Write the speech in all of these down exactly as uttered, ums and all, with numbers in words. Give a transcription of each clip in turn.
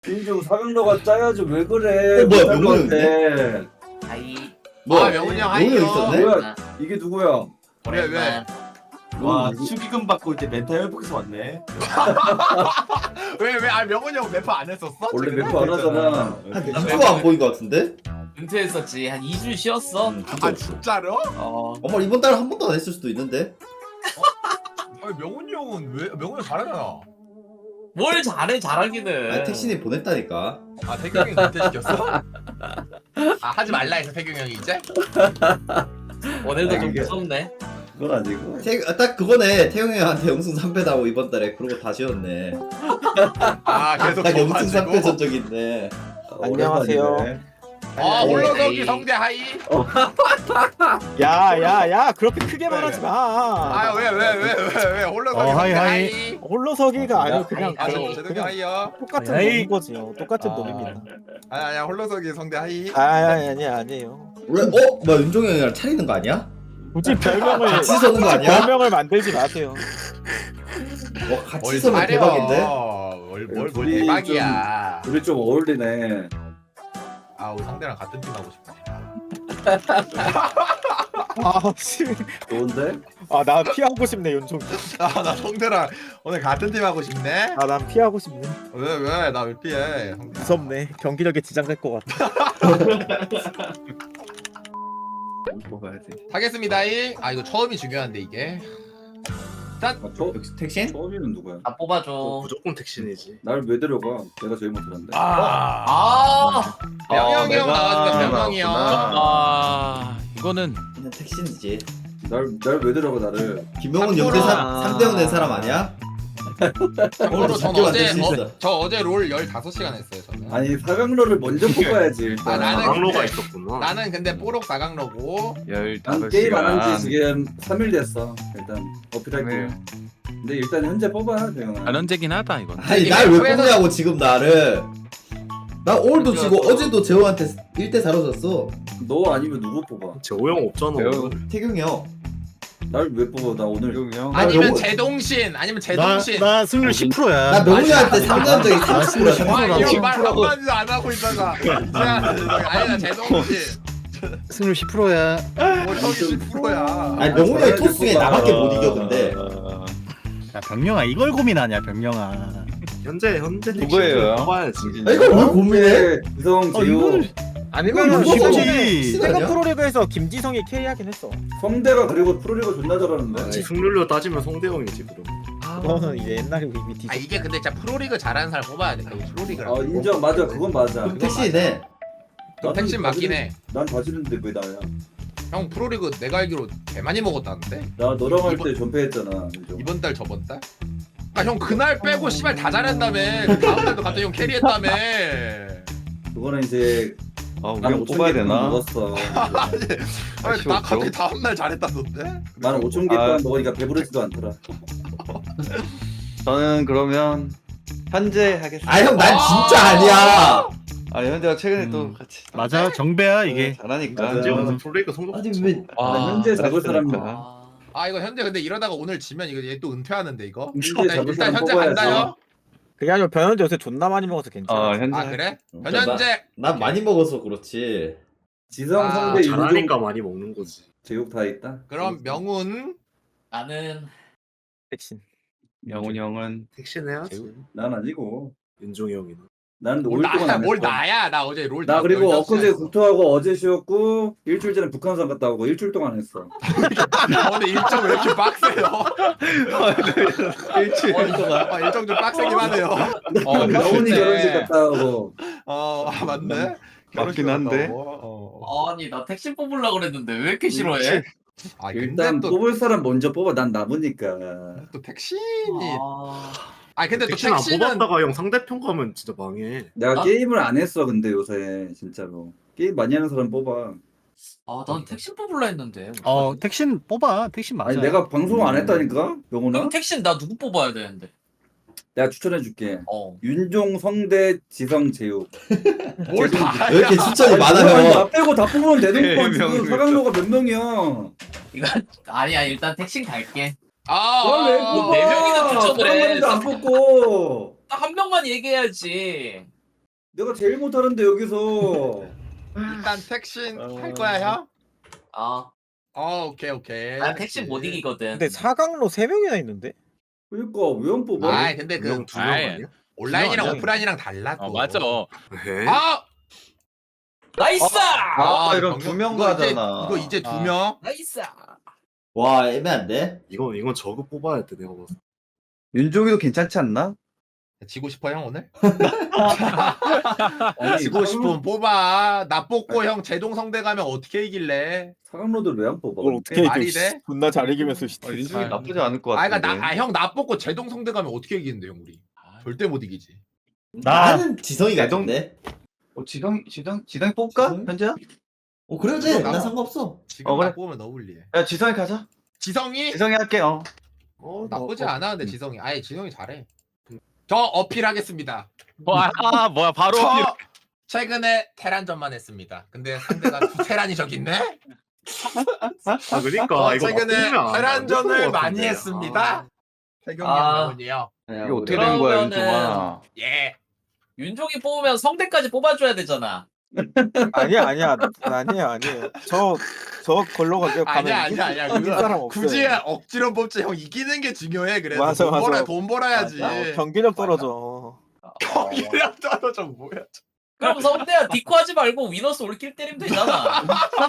윤종 사강로가 짜야지 왜 그래? 어, 뭐야, 못할 명훈이 것 같아. 하이. 뭐야? 아, 명훈이 형 명훈이 하이요. 있었네? 뭐야? 이게 누구야? 왜 왜? 와 축의금 받고 이제 멘탈 회복해서 왔네. 왜 왜? 아 명훈이 형 래퍼 안 했었어? 원래 지금? 래퍼 안 하잖아. 한 이 주가 안 보인 것 같은데? 은퇴했었지. 한 이 주 쉬었어. 아 진짜로? 어. 어머 이번 달에 한 번도 안 했을 수도 있는데? 아니 명훈이 형은 왜? 명훈이 형 잘하잖아. 뭘 잘해 잘하기는. 아니 택신이 보냈다니까. 아 태경이 은퇴시켰어? 아 하지 말라 해서 태경이 형이 이제? 오늘도 좀 이게- 무섭네. 그건 아니고. 태, 아, 딱 그거네. 태용이 형한테 영승 삼 패 나고 이번 달에 그러고 다시 였네. 아 계속 딱 영승 삼 패 져가지고. 전적 있네. 안녕하세요. 오랜만이네. 아 하이. 홀로서기 성대 하이. 야야야 그렇게 크게 말하지 마. 아 왜 왜 왜 왜 왜 홀로서기 어, 하이, 성대 하이. 하이. 홀로서기가 아니고 그냥 아 하이. 저 그- 제동이 그냥 하이요. 똑같은 하이. 놈인 거지요. 똑같은 아. 놈입니다. 아니 아니야 홀로서기 성대 하이. 아 아니 아니 아니에요. 원래 어? 뭐야 윤종이 형이랑 차리는 거 아니야? 굳이 별명을 같이 서는 거 아니야? 별명을 만들지 마세요. 어 같이 뭘 서면 잘해요. 대박인데? 뭘, 뭘, 뭘 둘이 대박이야. 우리 좀 어울리네. 아 우리 상대랑 같은 팀 하고 싶네. 아 씨. 좋은데? 아 나 피하고 싶네 윤종. 아나 성대랑 오늘 같은 팀 하고 싶네. 아 난 피하고 싶네. 왜 왜 나 왜 피해? 성대. 무섭네. 경기력에 지장될 것 같아. 뽑아야지. 하겠습니다. 이. 아 이거 처음이 중요한데 이게. 아, 저 역시 택신? 처음이는 누구야? 다 뽑아줘. 무조건 택신이지. 날 왜 데려가? 내가 제일 못하는데. 아. 아. 명영이 형 내가 나와주니까 명영이 형. 아 이거는 그냥 택신이지. 날날 왜 데려가 나를? 김명훈 참고로- 연대 삼 대원 낸 사람 아니야? 참고로 전 진짜 어제 만들 수 어, 있어. 저 어제 롤 열다섯 시간 했어요 저는. 아니 사강로를 먼저 뽑아야지 일단. 아, 나는 강로가 근데- 있었구나. 나는 근데 뽀록 사강로고. 난 게임 안 한 지 지금 삼 일 됐어. 일단 어필할게. 근데 일단 현재 뽑아 대영아. 안언제긴 하다 이건. 아니 이게 날 왜 맵에서- 뽑냐고 지금 나를. 나 오늘도 그죠, 지고 또. 어제도 재호한테 일 대 사로 졌어. 너 아니면 누구 뽑아? 재호형 없잖아. 태경이 형. 날 왜 뽑아? 나 오늘 아니면 영호- 제동신 아니면 나, 제동신. 나 승률 십 퍼센트야. 나 명훈이한테 아니, 삼 년 전에 삼십 퍼센트 와, 나 이거 지금 말 프로고- 한마디도 안 하고 있다가 아니 나 제동신 승률 십 퍼센트야. 뭐 저기 십 퍼센트야. 아니 명훈이 형 토스 중에 나밖에 못 이겨 근데. 야 병영아 이걸 고민하냐 병영아. 현재 현재 누구예요? 뽑아야지. 아 이걸 왜 고민해? 기성 어 지우 이거는 아니 이거 이거는 뭐 지금 쉽지. 시간 세가 아니야? 프로리그에서 김지성이 캐리하긴 했어. 성대가 그리고 프로리그 존나 잘하는데. 아니, 승률로 따지면 송대형이지 그럼. 그거는 이제 옛날에 이미 뒤. 아 이게 근데 진짜 프로리그 잘하는 사람 뽑아야 돼. 그리고 프로리그랑. 아 인정 맞아 그건 맞아. 그럼 택신이네. 나는 택신 맞긴 해. 난 다지는데 왜 나야? 형 프로리그 내가 알기로 개 많이 먹었다는데 나 너랑 할 때 이번- 전패했잖아. 인정. 이번 달 저번 달? 아 형 그날 빼고 씨발 다 잘했다며. 그 다음 달도 갑자기 형 캐리했다며. 그거는 이제 아 나는 우리가 뽑아야 되나? 먹었어. 아니 아쉬워, 나 갑자기 그럼. 다음 날 잘했다던데? 나는 오천 개 아. 동안 먹으니까 배부르지도 않더라. 저는 그러면 현재 하겠습니다. 아 형 난 진짜 아니야. 아 현재가 최근에 음. 또 같이 맞아 정배야 이게. 잘하니까. 맞아. 지금 프로리그 성적. 아니 왜? 나 현재 잡을 사람 아. 아 이거 현재 근데 이러다가 오늘 지면 이거 얘 또 은퇴하는데 이거? 현재 일단, 잡을 일단 사람 현재 뽑아야지. 간다요? 그게 아니라 변현재 요새 존나 많이 먹어서 괜찮아. 어 현재. 아 그래? 어, 변현재 난 많이 먹어서 그렇지. 지성 아, 성대 윤종 많이 먹는 거지. 제육 다 있다. 그럼 명훈 나는 백신. 명훈이 형은 택신 해야지. 난 아니고. 윤종이 형이는. 난 뭘 올 동안 나야 안 뭘 했어. 나야 나 어제 롤 나 다- 그리고 열다섯 엊그제 시간 국토하고 어제 쉬었고 일주일 전에 북한산 갔다 오고 일주일 동안 했어. 했어. 오늘 일정 왜 이렇게 빡세요? 일주일 동안. 아, 일정 좀 빡세긴 하네요. 어, 명훈이 결혼식 갔다 오고. 어 아, 맞네. 결혼식 맞긴 한데. 갔다 오고. 어. 아니 나 택신 뽑으려고 그랬는데 왜 이렇게 싫어해? 아 일단 근데 또, 뽑을 사람 먼저 뽑아. 난 남으니까. 또 택신이 아. 아 근데 또 택신 안 택신은 뽑았다가 형 상대편 가면 진짜 망해. 내가 나- 게임을 안 했어 근데 요새 진짜로. 게임 많이 하는 사람 뽑아. 아, 난 택신 뽑으려 했는데. 어 택신 뽑아. 택신 맞아. 아니 내가 방송 안 했다니까 명훈아. 그럼 택신 나 누구 뽑아야 되는데? 내가 추천해 줄게. 어. 윤종, 성대, 지성, 제육. 뭘 다. 왜 이렇게 추천이 많아 아니, 형? 나 빼고 다 뽑으면 되는 거 지금 명이 사강로가 몇 명이야? 이거 아니야 일단 택신 갈게. 아, 그럼 왜 아, 뽑아? 네 명이나 추천을 해. 사강로도 안 뽑고. 딱 한 명만 얘기해야지. 내가 제일 못하는데 여기서. 일단 택신 어. 할 거야 형? 아, 어 오케이 오케이. 난 택신 못 이기거든. 근데 사강로 세 명이나 있는데? 그러니까 왜 안 뽑아? 아이 근데 그 두명 아이, 아니야? 온라인이랑 아니야. 오프라인이랑 달라 또. 어 맞아. 에? 아! 나이스! 아, 이런 병력- 두 명 이거 이제- 가잖아. 이거 이제 두 아. 명. 나이스! 와 애매한데? 이건 이건 저거 뽑아야 돼 내가 봤을 때. 윤종이도 괜찮지 않나? 지고 싶어 형 오늘? 아니, 지고 사강- 싶으면 뽑아. 나 뽑고 형 제동 성대 가면 어떻게 이길래? 사강로들 왜 안 뽑아? 그걸 어떻게 말이 이겨? 돼? 존나 잘 이기면서 씨. 윤종이 아, 나쁘지 않을 것 아 같은데. 그러니까 나형 나 뽑고 제동 성대 가면 어떻게 이기는데 형 우리? 절대 못 이기지. 나 나는 지성이 대동- 같은데? 어, 지성 지성 지성이 뽑을까? 지성? 현재야? 어 그래도 돼. 지성 난 나가. 상관없어. 지금 어, 그래. 나 뽑으면 너무 불리해. 야 지성이 가자. 지성이? 지성이 할게. 어. 어 나쁘지 어, 어, 않아 근데 지성이. 아예 지성이 잘해. 저 어필하겠습니다. 와, 아, 뭐야 바로 저 최근에 테란전만 했습니다. 근데 상대가 두 테란이 저기 있네. 아 그러니까 저 이거 최근에 바꾸면 안 테란전을 될것 많이 같은데. 했습니다. 태경이 아. 형이요. 이게 어떻게 된 거야 그러면은- 윤종아? 예. 윤종이 뽑으면 성대까지 뽑아줘야 되잖아. 아니야 아니야 아니야 아니야. 저 저 걸로 가게 가면 아니야 이길- 아니야 아니야. 이길 그거 사람 없어요. 굳이 억지로 뽑지 형 이기는 게 중요해. 그래도 맞아, 돈 맞아. 벌어 돈 벌어야지. 어, 경기력 떨어져. 경기력 떨어져 뭐야? 그럼 성대야 디코 하지 말고 위너스 올킬 때리면 되잖아.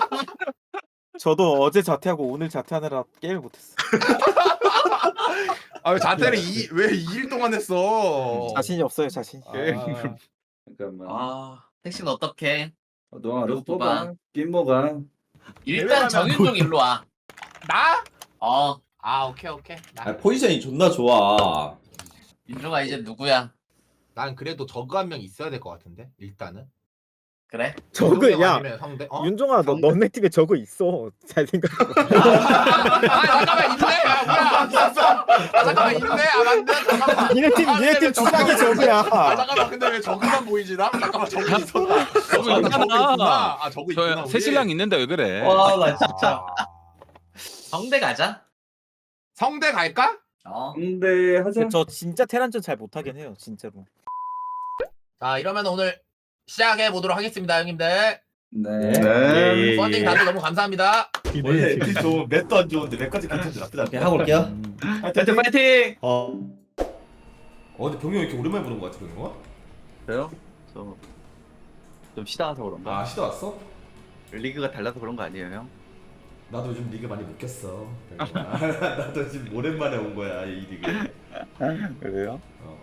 저도 어제 자퇴하고 오늘 자퇴하느라 게임을 못했어. 아 왜 자퇴를 이, 왜 이 일 동안 했어? 자신이 없어요 자신. 아, 잠깐만. 아, 택신 어떡해? 어, 너가 알아서 누구 뽑아. 뽑아? 김모가. 일단 대회하면- 정윤종 일로 와. 나? 어, 아 오케이 오케이. 나, 아, 포지션이 존나 좋아. 윤종아 이제 누구야? 난 그래도 저그 한 명 있어야 될 것 같은데 일단은. 그래? 저그 윤종이 야 아니면 성대. 어? 윤종아 너 너네 팀에 저거 있어. 잘 생각해. 아 잠깐만 있네. 아 뭐야? 아 잠깐만 있네. 아 맞네. 잠깐만. 니네 팀 아, 니네 근데 팀 왜 주작이 저거는- 저거야. 아 잠깐만 근데 왜 저그만 보이지 나? 잠깐만 저그 있었나? 저거 아, 있잖아. 저그 있구나. 아 저그 있구나. 저 우리. 새신랑 있는데 왜 그래? 와, 나 진짜. 아. 성대 가자. 성대 갈까? 어. 근데 하자. 저 진짜 테란전 잘 못하긴 해요 진짜로. 자 이러면 오늘 시작해 보도록 하겠습니다 형님들. 네. 네. 펀딩 다들 너무 감사합니다. 원래 맵이 좋은 맵도 안 좋은데 맵까지 괜찮지 나쁘지 않다. 오케이 하고 올게요. 현재 파이팅! 어. 어 근데 병영이 이렇게 오랜만에 보는 거 같아 병영아? 그래요? 저 좀 쉬다 와서 그런가? 아 시도 왔어? 리그가 달라서 그런 거 아니에요 형? 나도 요즘 리그 많이 못 꼈어. 병영아. 나도 지금 오랜만에 온 거야 이 리그. 그래요? 어.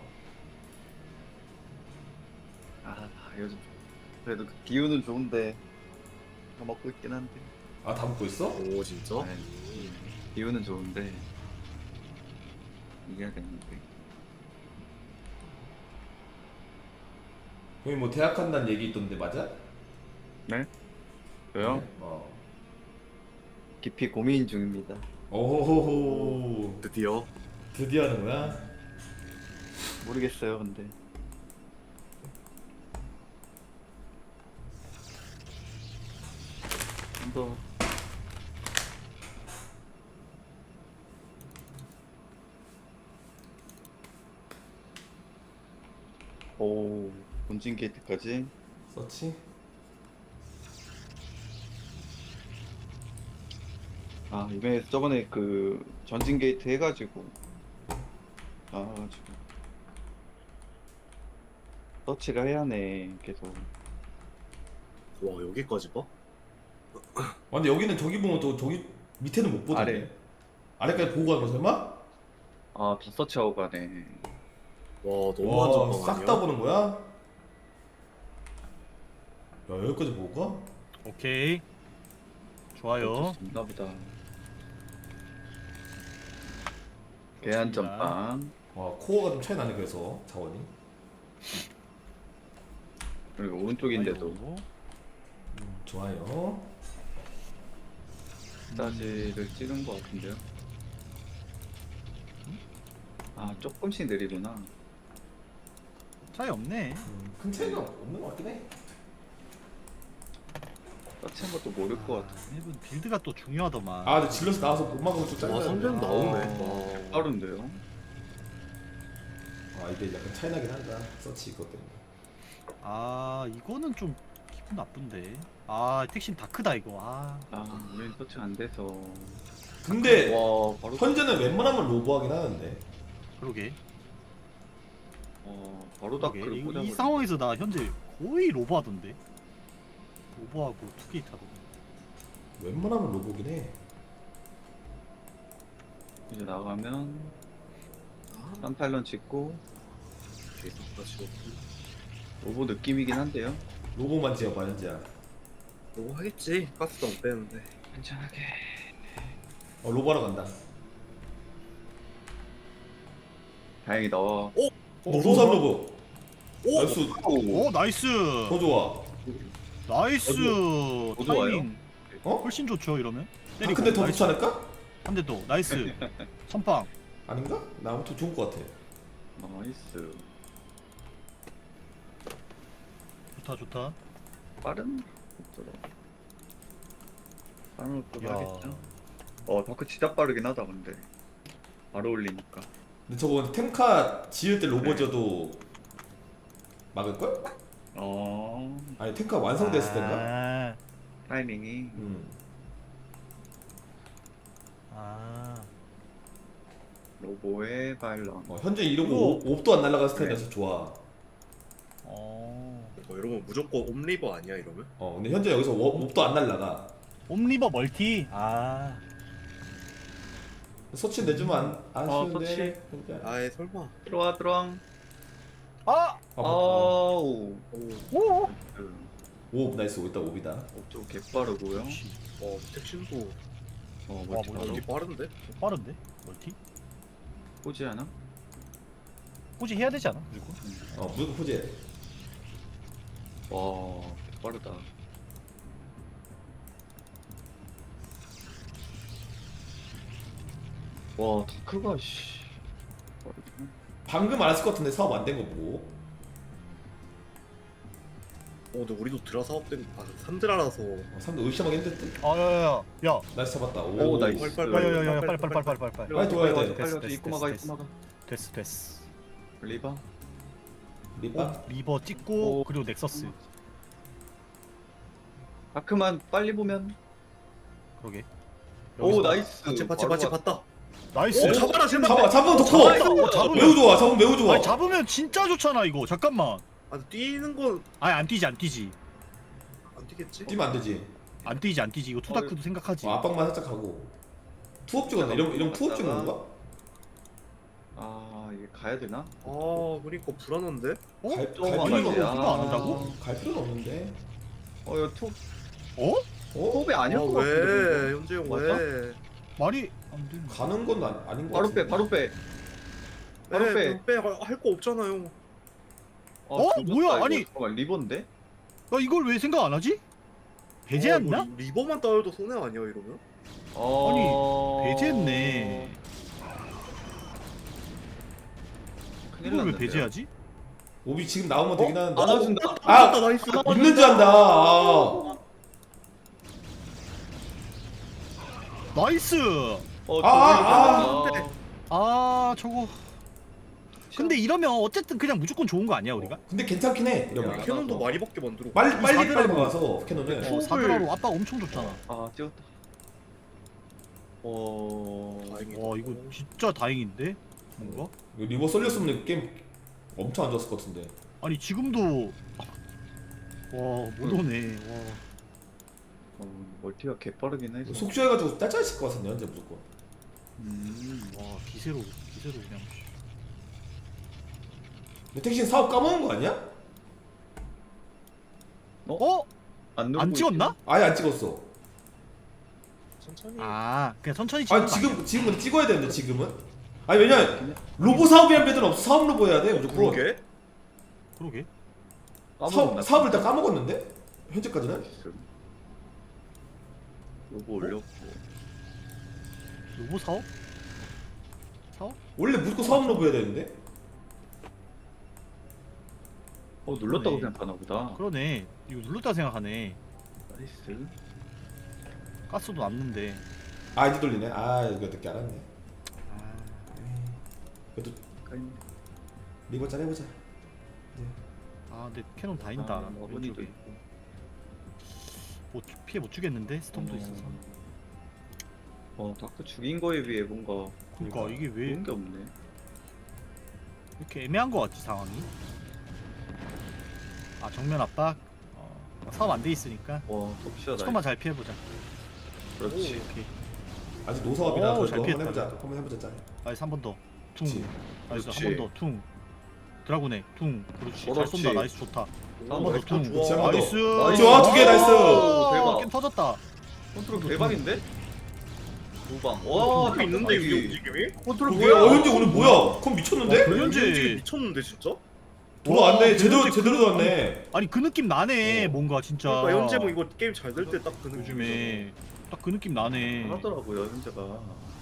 아 요즘 그래도 그 기운은 좋은데 다 먹고 있긴 한데. 아다 먹고 있어? 오 진짜? 아니, 기운은 좋은데 이겨야겠는데. 형이 뭐 대학 간다는 얘기 있던데 맞아? 네? 저요? 어. 깊이 고민 중입니다. 오호호호. 드디어 드디어 하는구나. 모르겠어요 근데. 좀더 오 본진 게이트까지. 서치? 아 이번에 저번에 그 전진 게이트 해가지고 아 지금 서치를 해야 하네 계속. 와 여기까지 봐? 아, 근데 여기는 저기 보면 또 저기 밑에는 못 보던데. 아래. 아래까지 보고 가는 거 설마? 아다 서치하고 가네. 와 너무 안전방 싹 아니야? 다 보는 거야? 야 여기까지 보고 가? 어쩔 오케이. 좋아요. 수 없나 보다. 계란 전빵 와 코어가 좀 차이 나네 그래서 자원이. 그리고 오른쪽인데도 아이고. 음, 좋아요. 스타지를 찍은 것 같은데요. 아 조금씩 느리구나. 차이 없네. 음, 큰 차이가 없는 것 같긴 해. 서치한 것도 모를 것 같아. 이분 빌드가 또 중요하더만. 아 근데 질러서 나와서 못 막으면 좀 짜증나. 와 선전 나오네. 아, 와. 빠른데요? 아 이게 약간 차이 나긴 한다. 서치 이것 때문에. 아 이거는 좀 기분 나쁜데. 아 택신 다 크다 이거. 아 아 우린 터치 안 돼서. 근데 와 바로. 현재는 웬만하면 로보하긴 하는데. 그러게. 어 바로 그러게. 다크를 이, 꽂아. 이 상황에서 나 현재 거의 로버하던데. 로버하고 투게이트 하던데. 웬만하면 로보긴 해. 이제 나가면 깜팔런 찍고 계속 다시 로보 느낌이긴 한데요. 로보만 지어봐 현재야. 뭐 하겠지. 가스도 안 빼는데. 괜찮하게. 어 로보하러 간다. 다행이다. 어, 어 소삼 로보. 나이스. 오 나이스. 더 좋아. 나이스. 더 좋아요? 타이밍 어? 훨씬 좋죠 이러면. 아, 때리고. 근데 더 나이스. 좋지 않을까? 한 대 더. 나이스. 선빵. 아닌가? 나 아무튼 좋을 것 같아. 나이스. 좋다 좋다. 빠른? 없더라. 빠른 것도 야. 하겠죠. 어 다크 진짜 빠르긴 하다 근데. 바로 올리니까. 근데 저거 템카 지을 때 로보 지어도 막을걸? 어 아니 템카 완성됐을 때인가? 아, 타이밍이. 음. 아. 로보의 발런. 어, 현재 이러고 이거- 옵- 옵도 안 날아간 스타일이라서 좋아. 어. 어, 이러면 무조건 옴리버 아니야 이러면? 어 근데 현재 여기서 워- 옵도 안 날라가. 옴리버 멀티. 아. 서치 내주면 안, 안 어, 쉬운데. 현재. 아예 설마. 들어와 들어와. 아. 아, 어. 아우. 오. 그, 옵 나이스. 일단 옵이다. 옵좀 개빠르고요. 어 택신도 어 와, 멀티 뭐 바로 이게 빠른데? 빠른데? 멀티? 포지 하나? 꾸지 해야 되지 않아? 무조건? 어 무조건 포즈해. 와 빠르다. 와 다크가 씨. 빠르구나. 방금 알았을 것 같은데 사업 안 된 거 보고. 어 근데 우리도 드라 사업된 아 삼드라라서 어, 사람들 의심하기 힘들대. 아, 야야야. 야. 나이스 잡았다. 오, 나이스. 빨리, 빨리, 야야야야. 빨리 빨리 빨리 빨리 빨리 빨리. 빨리 들어가야 돼. 빨리 됐어, 와서 됐어, 입고 막아 됐어, 입고 막아. 됐어 됐어. 리바. 리바. 어, 리버 찍고 오. 그리고 넥서스. 다크만 빨리 보면. 그러게. 오 여기서- 나이스. 받치 받치 바로 받치 왔다. 봤다. 나이스. 오 잡아라 제발. 잡아 잡으면 더 잡아, 커. 잡아, 잡으면- 매우 좋아. 잡으면 매우 좋아. 아니 잡으면 진짜 좋잖아 이거. 잠깐만. 아 뛰는 건 안 아니 안 뛰지 안 뛰지. 뛰겠지? 뛰면 안 되지. 안 뛰지 안 뛰지. 이거 투다크도 생각하지. 어, 압박만 살짝 하고. 투업 찍었네. 이런 이런 투업 찍는 건가? 아 이게 가야 되나? 아 그러니까 불안한데? 어? 갈- 어, 갈 아니 필요는 이거 없지. 이거 안 아. 한다고? 갈 필요는 없는데. 어 이거 톱 어? 어? 톱이 아닐 아 것 같은데. 왜? 현재 형 맞아? 왜? 말이 안 되는. 가는 건 아, 아닌 것 바로 같은데. 빼 바로 빼. 바로 빼. 네, 빼할 거 없잖아요. 아, 어? 조졌다, 뭐야? 이거. 아니. 잠깐만 리본데? 야 이걸 왜 생각 안 하지? 배제했나? 어, 뭐 리버만 따여도 손해 아니야 이러면? 어... 배제했네. 큰일 이걸 왜 났는데요. 배제하지? 옵이 지금 나오면 되긴 하는데. 안아준다. 아! 아 나이스. 있는 줄 안다. 아. 나이스. 어, 아, 아, 아, 아 저거. 근데 이러면 어쨌든 그냥 무조건 좋은 거 아니야 우리가? 근데 괜찮긴 해. 이러면. 야. 캐논도 많이 밖에 만들어. 빨리 빨리 빨리 사드라고. 막아서 캐논은. 어, 사드라로 압박 엄청 좋잖아. 아 찍었다. 어... 다행이다. 와 이거 진짜 다행인데 뭔가? 이거 리버 쏠렸으면 게임 엄청 안 좋았을 것 같은데. 아니 지금도 와못 오네. 와. 어, 멀티가 개빠르긴 해서. 속쇼해가지고 딸짤했을 것 같은데 현재 무조건. 음... 와 기세로 기세로 그냥. 근데 택신 사업 까먹은 거 아니야? 어? 안, 안 누르고 찍었나? 아예 안 찍었어. 천천히. 아 그냥 천천히 찍은 아니 거 지금 지금 근데 찍어야 되는데 지금은? 아니 왜냐 로보 사업이란 배들은 없어. 사업 로보 해야 돼 무조건. 그러게? 그러게. 사업 사업을 다 까먹었는데 현재까지는? 로고 올렸고. 로보 사업? 사업? 원래 무조건 사업 로보 해야 되는데. 어 눌렀다고 그러네. 생각하나 보다. 그러네. 이거 눌렀다 생각하네. 나이스. 가스도 남는데. 아 이제 돌리네. 아 이거 늦게 알았네. 아, 그래도 까인. 리버 잘 해보자. 아 근데 캐논 다인다. 아, 어머니도 왼쪽에. 못 주- 피해 못 주겠는데 스톰도 있어서. 어 다크 죽인 거에 비해 뭔가 그러니까 이게 왜 좋은 게 없네. 이렇게 애매한 거 같지 상황이? 아 정면 압박. 어, 사업 안 돼 있으니까 와 톱시다. 스톰만 잘 피해보자. 그렇지. 오케이. 아직 노사업이라 오, 그래도 잘 한번 피했다. 해보자. 한번 해보자 짠. 나이스 한 번 더. 퉁. 그렇지. 나이스 그렇지. 한 번 더. 퉁. 드라군에 퉁. 그렇지. 잘 그렇지. 쏜다. 나이스 좋다. 한 번 더 퉁. 그렇지, 한번 더. 나이스. 좋아, 두개 나이스. 오, 대박. 게임 터졌다. 컨트롤 대박인데? 두방. 와 또 있는데 탑 이게 여기. 움직임이? 컨트롤 그게 뭐야? 어현지 오늘 뭐야? 컴 미쳤는데? 변현재. 움직임 미쳤는데 진짜? 돌아왔네. 와, 제대로 변현재 제대로 돌아왔네. 아니 그 느낌 나네. 어. 뭔가 진짜. 그러니까 현재 뭐 이거 게임 잘 될 때 딱 그 느낌이잖아. 요즘에 딱 그 느낌 나네. 하더라고요 현재가.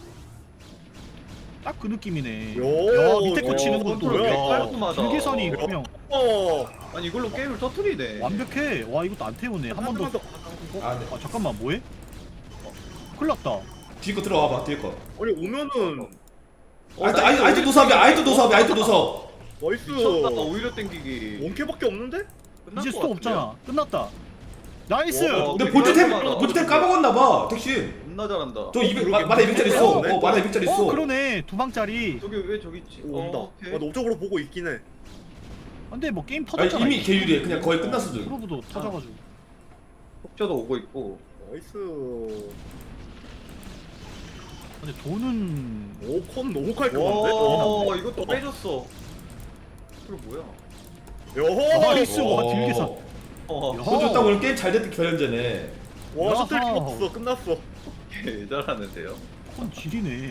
딱 그 느낌이네. 야, 야 밑에 거 야, 치는 것도 컨트롤 야, 깔끔하다. 길게선이 야. 그냥 어. 아니 이걸로 게임을 터트리네. 완벽해. 와 이것도 안 태우네. 한 번 더. 어? 아, 네. 아 잠깐만 뭐해? 어, 큰일 났다. 뒤에 거 들어와봐. 뒤에 거. 아니 오면은 아이트 아이트 아이트 노사업이야. 아이트 노사업이야. 아이트 노사업. 나이스. 미쳤다. 오히려 땡기기. 원캐밖에 없는데? 끝날 이제 것 스톱 같은데요? 없잖아. 끝났다. 나이스. 와, 근데 되게 본트템 깔끔하다. 본트템 까먹었나봐. 택신. 겁나 잘한다. 저 이백 마- 만화 이백짜리 있어. 어 만화 이백짜리 있어. 어 그러네. 두 방짜리. 저기 왜 저기 있지? 오, 온다. 어, 오케이. 아, 나 업적으로 보고 있긴 해. 근데 뭐 게임 아니 터졌잖아. 이미 개유리해. 그냥 거의 끝났어. 지금. 프로브도 터져가지고. 폭저도 오고 있고. 나이스. 근데 돈은 오컨 너무 깔끔한데? 와 이것도 빼줬어. 그리고 뭐야? 여호. 나이스. 와 어. 딜계산. 어 야. 그것도 딱 오늘 게임 잘 됐던 결연전에. 와 셔틀 야하. 없어 끝났어. 개 잘하는데요. 건 질이네. 왜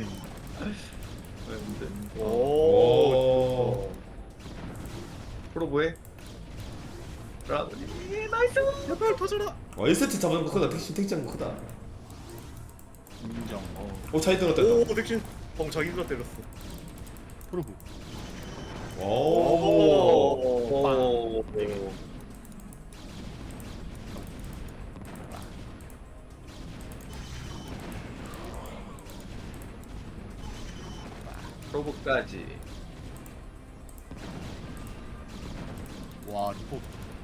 근데? 오. 오. 프로보에. 라운이 나이스. 제발 터져라. 와 일 세트 잡은 거 크다. 택신 택시한 거 크다. 인정. 어. 오 차이 들었다. 오 덱신. 방 자기가 때렸어. 프로브. 오. 오. 오. 프로보까지. 와 리포.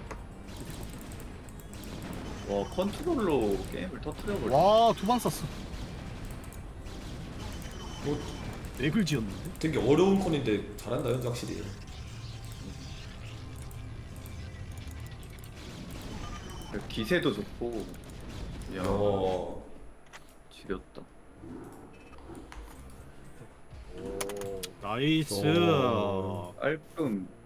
와 컨트롤로 게임을 터트려버려. 와두 방 썼어. 뭐 맥을 지었는데. 되게 어려운 컨인데 잘한다 현재 확실히. 기세도 좋고. 야 어. 지렸다. 나이스. 오. 깔끔.